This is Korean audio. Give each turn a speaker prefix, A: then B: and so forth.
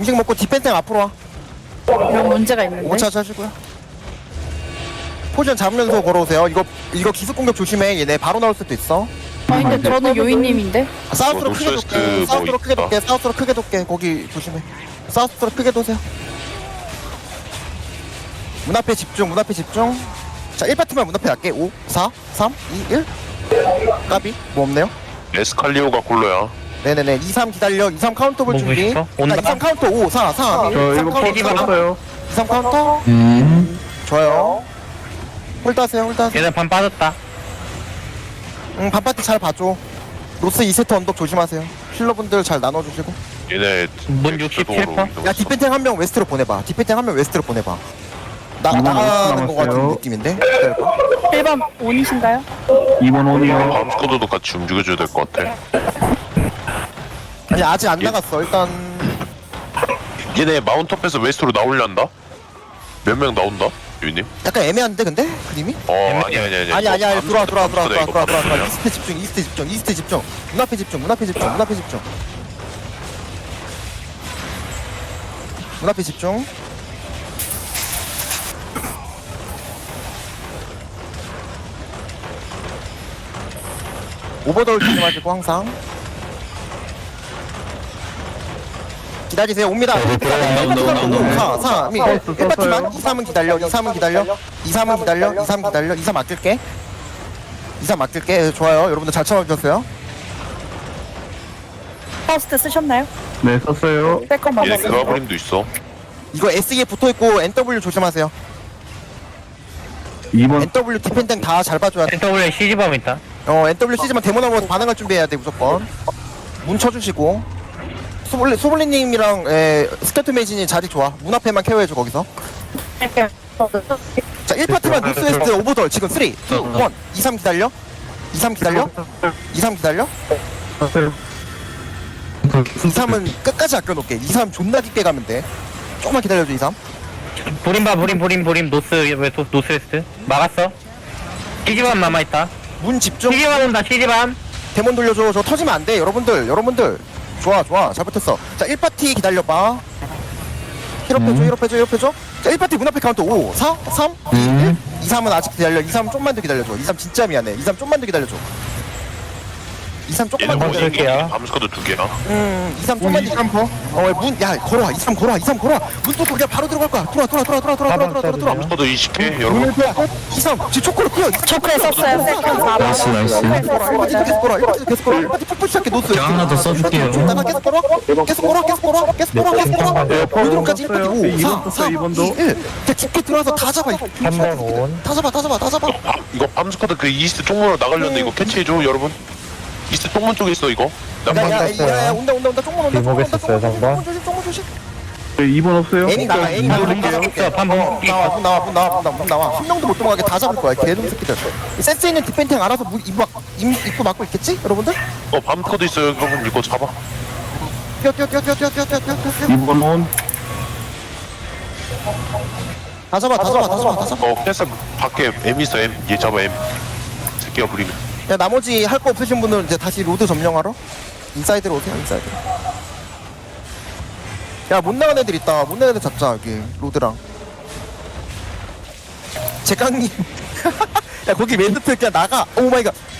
A: 음식 먹고 디펜탱 앞으로 와.
B: 이런 문제가 있는데.
A: 5차 하시고요. 포지션 잡으면서 걸어오세요. 이거 기습 공격 조심해. 얘네 바로 나올 수도 있어.
B: 근데 저는 요인님인데.
A: 사우스로 크게
C: 노스웨스트
A: 돕게.
C: 뭐
A: 사우스로 크게
C: 있다.
A: 돕게. 사우스로 크게 돕게. 거기 조심해. 사우스로 크게 도세요. 문 앞에 집중. 문 앞에 집중. 자, 1파트만 문 앞에 할게. 5, 4, 3, 2, 1. 까비. 뭐 없네요.
C: 에스칼리오가 콜로야.
A: 네네네. 2, 3 기다려. 2, 3 카운터 볼
D: 뭐
A: 준비.
D: 있어? 온다?
A: 2, 3 카운터. 5, 4, 3, 1.
E: 저 이거 포즈 받았어요.
A: 2, 3 카운터. 좋아요. 홀드하세요. 홀드하세요.
D: 얘네 반 빠졌다.
A: 응, 반파티 잘 봐줘. 노스 2세트 언덕 조심하세요. 힐러분들 잘 나눠주시고.
C: 얘네
D: 문
C: 엑스도어로
D: 67%?
C: 이동했어.
A: 야, 디펜탱 한 명 웨스트로 보내봐. 디펜탱 한 명 웨스트로 보내봐.
E: 이번
A: 나가는 거 같은
E: 남았어요.
A: 느낌인데? 기다려봐.
B: 1번 온이신가요?
E: 2번 온이요.
C: 다음 스쿼드도 같이 움직여줘야 될 것 같아.
A: 아니, 아직 안 나갔어. 일단.
C: 얘네 마운트업에서 웨스트로 나오려한다? 몇 명 나온다? 유님?
A: 약간 애매한데, 근데? 그림이?
C: 아니야.
A: 들어와. 이스트 집중. 문 앞에 집중. 문 앞에 집중. 오버돌 조심하시고 항상 기다리세요. 옵니다. 5, 4, 3, 2, 1파티만 2, 3은 기다려. 2, 3은 기다려. 2, 3은 기다려. 2, 3 기다려. 2, 3 맡길게. 2, 3 맡길게. 좋아요. 여러분들 잘 참아주셨어요.
B: 퍼스트 쓰셨나요?
E: 네, 썼어요.
B: 세컨만
C: 얘네
B: 봤어요.
C: 그라브림도 있어.
A: 이거 SE에 붙어있고 NW 조심하세요.
E: 2번
A: NW 디펜딩 다 잘 봐줘야 돼.
D: NW에 CG밤 있다.
A: NW C지만 데모나고 반응할 준비해야 돼 무조건. 문 쳐주시고. 소블리님이랑 스케트 메이진이 자리 좋아. 문 앞에만 케어해줘 거기서. 자 1파트만 노스웨스트 오버돌 지금 3, 2, 1, 2, 3 기다려. 2, 3 기다려. 2, 3 기다려.
E: 썼어요.
A: 2, 3은 끝까지 아껴놓을게. 2, 3 존나 깊게 가면 돼. 조금만 기다려줘 2, 3.
D: 부림 노스웨스트 막았어. CG밤 남아있다.
A: 문 집중.
D: CG밤 온다. CG밤.
A: 데몬 돌려줘. 저 터지면 안 돼. 여러분들. 좋아. 잘 붙었어. 자 1파티 기다려봐. 힐업해줘. 자 1파티 문 앞에 카운트 5, 4, 3, 2, 1. 2, 3은 아직 기다려. 2, 3 좀만 더 기다려줘. 2, 3 진짜 미안해. 2, 3 좀만 더 기다려줘. 2, 3
C: 얘네
A: 조금만 더
C: 문
A: 기다려줘.
D: 쓸게요.
C: 다음 스쿼드 2개야.
A: 2, 3 좀만 더 문, 야, 걸어와. 2, 3 걸어와. 문 뚫고 그냥 바로 들어갈 거야. 들어와.
C: 스쿼드 20개 여러분.
A: 2, 3, 지금 초코를 끌어.
B: 초크에 썼어요. 세컨 4번.
F: 나이스.
A: 계속 걸어. 1파티 계속 걸어. 1파티 푹푹 시작해. 노스.
F: 제가 하나 더 써줄게요.
A: 나 계속 걸어.
E: 네, 포즈
A: 오른쪽까지 1파티
E: 썼어요.
A: 5, 4,
E: 2번
A: 3,
E: 썼어요.
A: 2,
E: 2번도.
A: 1. 그냥 깊게 들어와서 다 잡아.
D: 3번 온.
A: 다 잡아.
C: 이거 밤 스쿼드 그 이스트 쪽문으로 나가려는데 이거 캐치해줘 여러분. 이스트 쪽문 쪽에 있어 이거.
A: 야, 온다. 쪽문 온다.
D: 뒷목했었어요, 상관.
A: 쪽문 조심.
E: 네, 2번 없어요.
A: 애니 나와. 문 나와. 한 명도 못 도망가게 다 잡을 거야. 개놈 새끼들. 센스 있는 디펜팅 알아서 입구 막고 있겠지? 여러분들?
C: 밤 스쿼드 있어요 여러분 이거 잡아.
A: 뛰어.
E: 2번 온.
A: 다 잡아.
C: 캐슬 밖에 M 있어 M. 얘 잡아 M. 새끼가 부리면.
A: 야, 나머지 할 거 없으신 분들은 이제 다시 로드 점령하러 인사이드로 오세요. 인사이드. 야, 못 나간 애들 있다. 못 나간 애들 잡자. 여기 로드랑. 제깡님. 야, 거기 멘트 그냥 나가. 오 마이 갓.